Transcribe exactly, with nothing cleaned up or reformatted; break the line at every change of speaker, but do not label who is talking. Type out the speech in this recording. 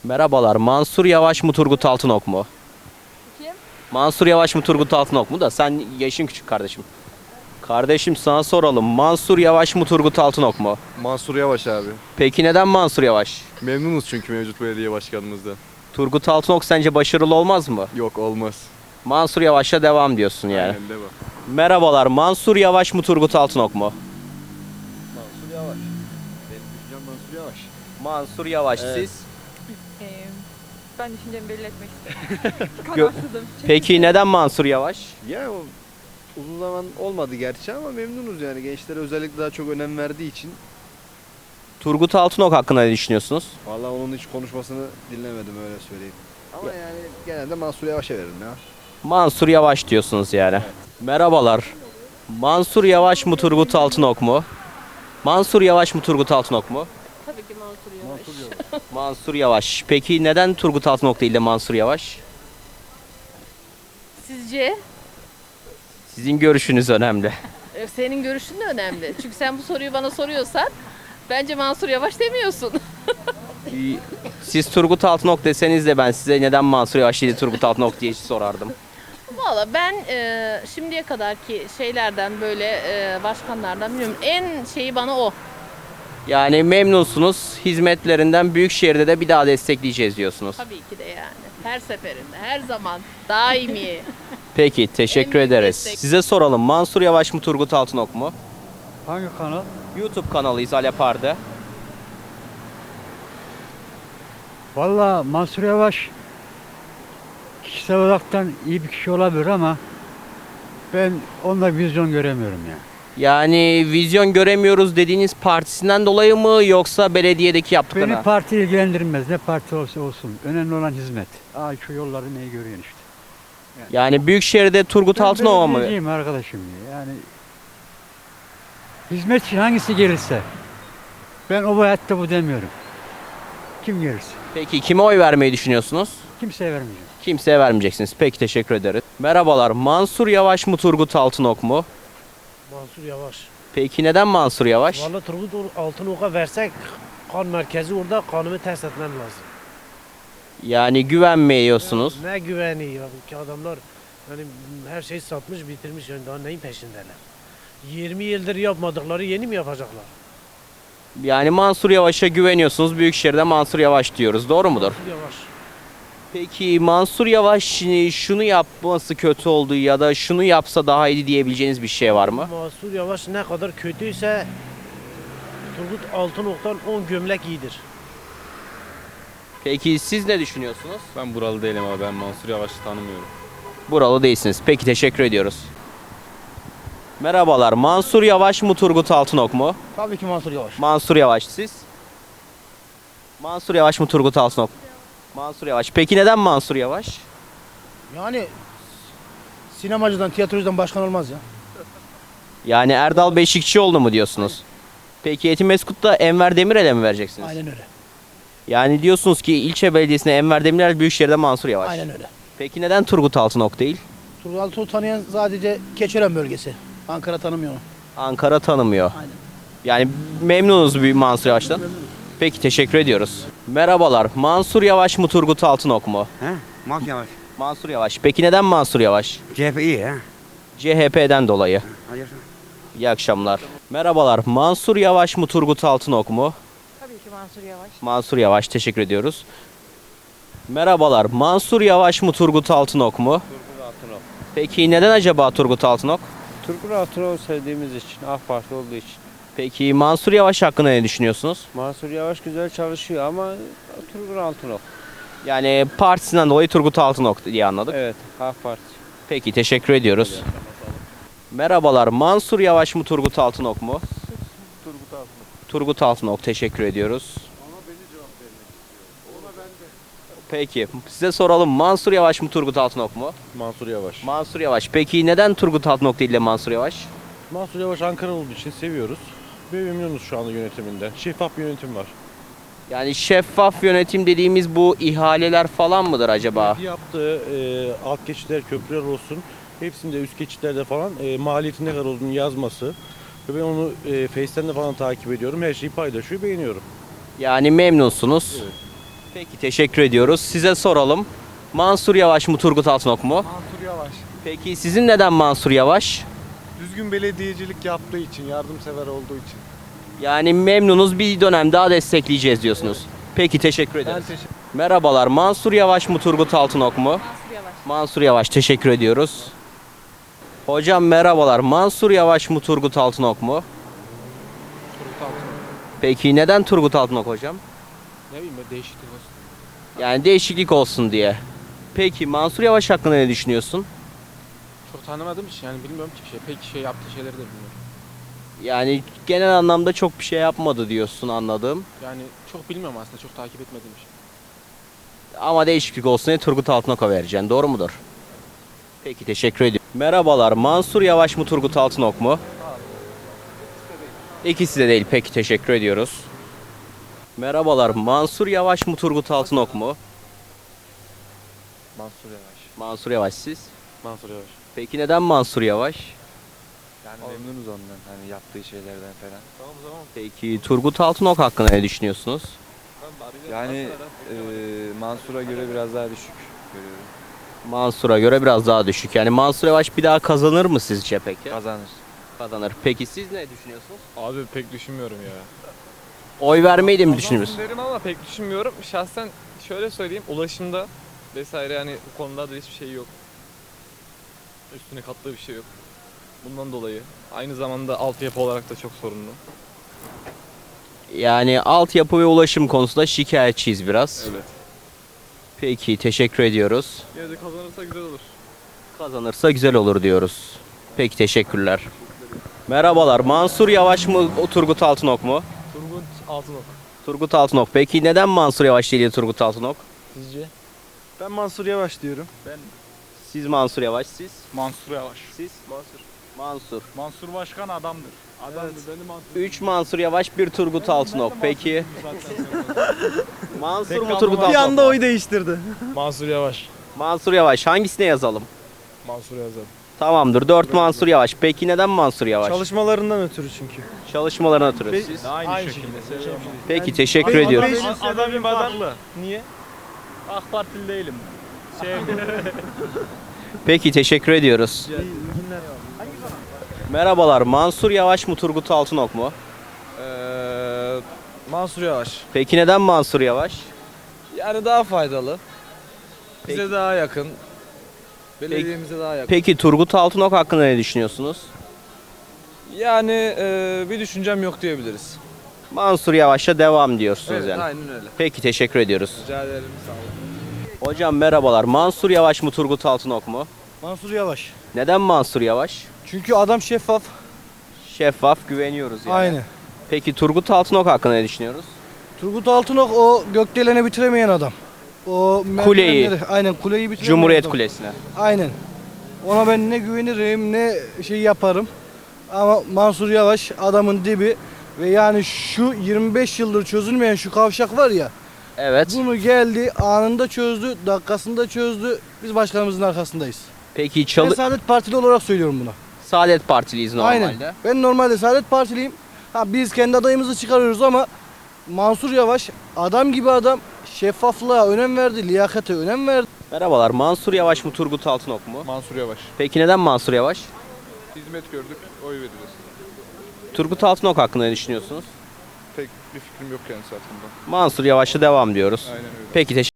Merhabalar. Mansur Yavaş mı Turgut Altınok mu?
Kim?
Mansur Yavaş mı Turgut Altınok mu da sen yaşın küçük kardeşim. Kardeşim sana soralım. Mansur Yavaş mı Turgut Altınok mu?
Mansur Yavaş abi.
Peki neden Mansur Yavaş?
Memnunuz çünkü mevcut belediye başkanımızdan.
Turgut Altınok sence başarılı olmaz mı?
Yok olmaz.
Mansur Yavaş'a devam diyorsun yani.
Aynen devam.
Merhabalar. Mansur Yavaş mı Turgut Altınok mu?
Mansur Yavaş. Benim düşüncem Mansur Yavaş.
Mansur Yavaş
Evet.
siz?
Ee, ben düşüncemi belli etmek istedim.
Gö-
Kararsızım. Çünkü-
Peki neden Mansur Yavaş?
Ya o uzun zaman olmadı gerçi ama memnunuz yani. Gençlere özellikle daha çok önem verdiği için.
Turgut Altınok hakkında ne düşünüyorsunuz?
Vallahi onun hiç konuşmasını dinlemedim öyle söyleyeyim. Ama yani genelde Mansur Yavaş'a veririm ya.
Mansur Yavaş diyorsunuz yani. Merhabalar. Mansur Yavaş mı Turgut Altınok mu? Mansur Yavaş mı Turgut Altınok mu?
Tabii ki Mansur Yavaş.
Mansur Yavaş. Peki neden Turgut Altınok değil de Mansur Yavaş?
Sizce?
Sizin görüşünüz önemli.
E, Senin görüşün de önemli. Çünkü sen bu soruyu bana soruyorsan bence Mansur Yavaş demiyorsun.
Siz Turgut Altınok deseniz de ben size neden Mansur Yavaş değil de Turgut Altınok diye sorardım.
Valla ben e, şimdiye kadarki şeylerden böyle e, başkanlardan bilmiyorum. En şeyi bana o.
Yani memnunsunuz. Hizmetlerinden Büyükşehir'de de bir daha destekleyeceğiz diyorsunuz.
Tabii ki de yani. Her seferinde, her zaman daimi.
Peki teşekkür
En büyük
ederiz.
destek.
Size soralım. Mansur Yavaş mı Turgut Altınok mu?
Hangi kanal?
YouTube kanalıyız Alep Arda.
Valla Mansur Yavaş kişisel olaraktan iyi bir kişi olabilir ama ben onda vizyon göremiyorum ya.
Yani vizyon göremiyoruz dediğiniz partisinden dolayı mı yoksa belediyedeki
Beni
yaptıklarına?
parti ilgilendirmez. Ne parti olsa olsun. Önemli olan hizmet. Aa şu yolları neyi görüyorsun işte.
Yani Büyükşehir'de Turgut
Ben
Altınok'a mı?
belediyeciyim arkadaşım ya. Yani hizmet için hangisi gelirse. Ben o hayatta bu demiyorum. Kim gelirse.
Peki kime oy vermeyi düşünüyorsunuz?
Kimseye vermeyeceğim.
Kimseye vermeyeceksiniz. Peki teşekkür ederiz. Merhabalar. Mansur Yavaş mı Turgut Altınok mu?
Mansur Yavaş.
Peki neden Mansur Yavaş?
Vallahi Turgut Altınok'a versek kan merkezi orada kanımı test etmem lazım.
Yani güvenmiyorsunuz.
Ne güveni ya ki adamlar yani her şeyi satmış bitirmiş yani daha neyin peşindeler. yirmi yıldır yapmadıkları yeni mi yapacaklar?
Yani Mansur Yavaş'a güveniyorsunuz. Büyükşehir'de Mansur Yavaş diyoruz. Doğru mudur?
Mansur Yavaş.
Peki Mansur Yavaş e, şunu yapması kötü oldu ya da şunu yapsa daha iyi diyebileceğiniz bir şey var mı?
Mansur Yavaş ne kadar kötüyse Turgut Altınok'tan on gömlek iyidir.
Peki siz ne düşünüyorsunuz?
Ben buralı değilim abi. Ben Mansur Yavaş'ı tanımıyorum.
Buralı değilsiniz. Peki teşekkür ediyoruz. Merhabalar. Mansur Yavaş mı Turgut Altınok mu?
Tabii ki Mansur Yavaş.
Mansur Yavaş siz? Mansur Yavaş mı Turgut Altınok? Mansur Yavaş. Peki neden Mansur Yavaş?
Yani sinemacıdan, tiyatrocudan başkan olmaz ya.
Yani Erdal Beşikçioğlu mu diyorsunuz? Peki Etimeskut'ta Enver Demirel'e mi vereceksiniz?
Aynen öyle.
Yani diyorsunuz ki ilçe belediyesine Enver Demirel, Büyükşehir'de Mansur Yavaş.
Aynen öyle.
Peki neden Turgut Altınok değil?
Turgut Altınok'u tanıyan sadece Keçiören bölgesi. Ankara tanımıyor onu.
Ankara tanımıyor.
Aynen.
Yani memnunuz bir Mansur Yavaş'tan. Peki teşekkür ediyoruz. Merhabalar. Mansur Yavaş mı Turgut Altınok mu?
He? Mansur Yavaş.
Mansur Yavaş. Peki neden Mansur Yavaş?
C H P iyi ha.
C H P'den dolayı.
Hadi yaşa.
İyi akşamlar. Merhabalar. Mansur Yavaş mı Turgut Altınok mu?
Tabii ki Mansur Yavaş.
Mansur Yavaş. Teşekkür ediyoruz. Merhabalar. Mansur Yavaş mı Turgut Altınok mu?
Turgut Altınok.
Peki neden acaba Turgut Altınok?
Turgut Altınok'u sevdiğimiz için, AK Parti olduğu için.
Peki Mansur Yavaş hakkında ne düşünüyorsunuz?
Mansur Yavaş güzel çalışıyor ama Turgut Altınok.
Yani partisinden dolayı Turgut Altınok diye anladık.
Evet, AK Parti.
Peki teşekkür ediyoruz. Merhabalar. Mansur Yavaş mı Turgut Altınok mu?
Turgut Altınok.
Turgut Altınok teşekkür ediyoruz. Peki size soralım. Mansur Yavaş mı Turgut Altınok mu?
Mansur Yavaş.
Mansur Yavaş. Peki neden Turgut Altınok değil de Mansur Yavaş?
Mansur Yavaş Ankara olduğu için seviyoruz. Ve memnunuz şu anda yönetiminden. Şeffaf bir yönetim var.
Yani şeffaf yönetim dediğimiz bu ihaleler falan mıdır acaba?
Yaptığı e, alt geçitler, köprüler olsun. Hepsinde üst geçitlerde falan e, maliyetin ne kadar olduğunu yazması. Ve ben onu e, Face'ten de falan takip ediyorum. Her şeyi paylaşıyor, beğeniyorum.
Yani memnunsunuz.
Evet.
Peki teşekkür ediyoruz. Size soralım. Mansur Yavaş mı Turgut Altınok mu?
Mansur Yavaş.
Peki sizin neden Mansur Yavaş?
Düzgün belediyecilik yaptığı için, yardımsever olduğu için.
Yani memnunuz, bir dönem daha destekleyeceğiz diyorsunuz. Peki teşekkür ederiz.
teşekkür
Merhabalar. Mansur Yavaş mı Turgut Altınok mu?
Mansur Yavaş.
Mansur Yavaş, teşekkür ediyoruz. Hocam merhabalar. Mansur Yavaş mı Turgut Altınok mu?
Turgut Altınok.
Peki neden Turgut Altınok hocam?
Ne bileyim böyle değişiklik olsun.
Yani değişiklik olsun diye. Peki Mansur Yavaş hakkında ne düşünüyorsun?
Çok tanımadığım için yani bilmiyorum ki bir şey. Pek şey yaptığı şeyleri de bilmiyorum.
Yani genel anlamda çok bir şey yapmadı diyorsun anladığım.
Yani çok bilmiyorum aslında, çok takip etmediğim için.
Ama değişiklik olsun diye Turgut Altınok'a vereceksin. Doğru mudur? Peki teşekkür ediyorum. Merhabalar. Mansur Yavaş mı Turgut Altınok mu? İkisi de değil. Peki teşekkür ediyoruz. Merhabalar. Mansur Yavaş mı Turgut Altınok mu?
Mansur Yavaş.
Mansur Yavaş siz.
Mansur Yavaş.
Peki neden Mansur Yavaş?
Yani memnunuz ondan, hani yaptığı şeylerden falan. Tamam tamam.
Peki Turgut Altınok hakkında ne düşünüyorsunuz?
Yani e, Mansur'a göre biraz daha düşük görüyorum.
Mansur'a göre biraz daha düşük. Yani Mansur Yavaş bir daha kazanır mı sizce peki?
Kazanır.
Kazanır. Peki siz ne düşünüyorsunuz?
Abi pek düşünmüyorum ya.
Oy vermeyi de mi düşünüyorsunuz?
derim ama pek düşünmüyorum. Şahsen şöyle söyleyeyim, ulaşımda vesaire yani bu konuda da hiçbir şey yok. Üstüne kattığı bir şey yok. Bundan dolayı aynı zamanda altyapı olarak da çok sorunlu.
Yani altyapı ve ulaşım konusunda şikayetçiyiz biraz.
Evet.
Peki teşekkür ediyoruz.
Yine de kazanırsa güzel olur.
Kazanırsa güzel olur diyoruz. Peki teşekkürler. Merhabalar. Mansur Yavaş mı o Turgut Altınok mu?
Turgut Altınok.
Turgut Altınok. Peki neden Mansur Yavaş değil de Turgut Altınok?
Sizce? Ben Mansur Yavaş diyorum. Ben
Siz Mansur Yavaş, siz?
Mansur Yavaş.
Siz? Mansur. Mansur.
Mansur Başkan adamdır. Adamdır. Benim Mansur.
Üç Mansur Yavaş, bir Turgut Altınok. Peki Mansur mu
Pek
Turgut
Bir
Altınok
anda
mu?
oy değiştirdi. Mansur Yavaş.
Mansur Yavaş. Hangisine yazalım?
Mansur yazalım.
Tamamdır. Dört Mansur Yavaş. Peki neden Mansur Yavaş?
Çalışmalarından ötürü çünkü.
Çalışmalarına ötürü. Siz?
Aynı, şekilde.
Peki teşekkür ediyoruz.
Adamın farklı. Niye? AK Partili değilim. Şey,
Peki teşekkür ediyoruz. Merhabalar. Mansur Yavaş mı Turgut Altınok mu?
Ee, Mansur Yavaş.
Peki neden Mansur Yavaş?
Yani daha faydalı. Bize
Peki.
daha yakın. Belediyemize daha yakın.
Peki Turgut Altınok hakkında ne düşünüyorsunuz?
Yani e, bir düşüncem yok diyebiliriz.
Mansur Yavaş'a devam diyorsunuz
Evet,
yani.
aynen öyle.
Peki teşekkür ediyoruz.
Rica ederim. Sağ olun.
Hocam merhabalar. Mansur Yavaş mı Turgut Altınok mu?
Mansur Yavaş.
Neden Mansur Yavaş?
Çünkü adam şeffaf.
Şeffaf, güveniyoruz yani.
Aynı.
Peki Turgut Altınok hakkında ne düşünüyoruz?
Turgut Altınok o gökdeleni bitiremeyen adam. O
Kuleyi.
merdivenleri- Aynen kuleyi bitiremeyen
Cumhuriyet
adam.
Kulesi'ne.
Aynen. Ona ben ne güvenirim ne şey yaparım. Ama Mansur Yavaş adamın dibi ve yani şu yirmi beş yıldır çözülmeyen şu kavşak var ya.
Evet.
Bunu geldi anında çözdü, dakikasında çözdü. Biz başkanımızın arkasındayız.
Peki
Ben
çalı
Saadet Partili olarak söylüyorum buna.
Saadet Partiliyiz normalde.
Aynen. Ben normalde Saadet Partiliyim. Ha biz kendi adayımızı çıkarıyoruz ama Mansur Yavaş adam gibi adam, şeffaflığa önem verdi, liyakate önem verdi.
Merhabalar. Mansur Yavaş mı Turgut Altınok mu?
Mansur Yavaş.
Peki neden Mansur Yavaş?
Hizmet gördük, oy veririz.
Turgut Altınok hakkında ne düşünüyorsunuz?
Pek bir fikrim yok kendisi hakkında.
Mansur Yavaş'a devam diyoruz.
Aynen öyle.
Peki teşekkür